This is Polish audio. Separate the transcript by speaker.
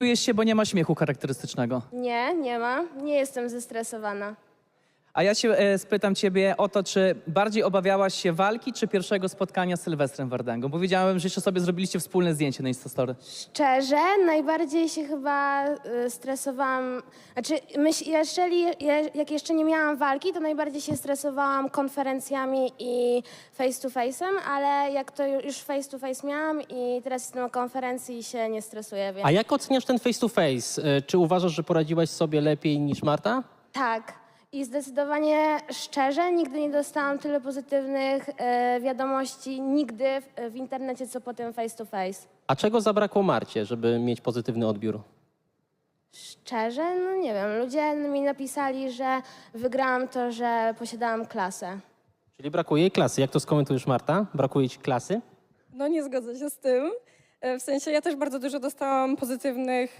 Speaker 1: Stresujesz się, bo nie ma śmiechu charakterystycznego.
Speaker 2: Nie, nie ma. Nie jestem zestresowana.
Speaker 1: A ja się spytam ciebie o to, czy bardziej obawiałaś się walki, czy pierwszego spotkania z Sylwestrem Wardęgą? Bo widziałem, że jeszcze sobie zrobiliście wspólne zdjęcie na Instastory.
Speaker 2: Szczerze, najbardziej się chyba stresowałam. Znaczy, jak jeszcze nie miałam walki, to najbardziej się stresowałam konferencjami i face to face'em, ale jak to już face to face miałam i teraz jestem na konferencji i się nie stresuję, więc
Speaker 3: A jak oceniasz ten face to face? Czy uważasz, że poradziłaś sobie lepiej niż Marta?
Speaker 2: tak. I zdecydowanie szczerze, nigdy nie dostałam tyle pozytywnych wiadomości nigdy w internecie, co po tym face to face.
Speaker 3: A czego zabrakło Marcie, żeby mieć pozytywny odbiór?
Speaker 2: Szczerze, no nie wiem, ludzie mi napisali, że wygrałam to, że posiadałam klasę.
Speaker 3: Czyli brakuje jej klasy. Jak to skomentujesz, Marta? Brakuje ci klasy?
Speaker 4: No nie zgodzę się z tym. W sensie ja też bardzo dużo dostałam pozytywnych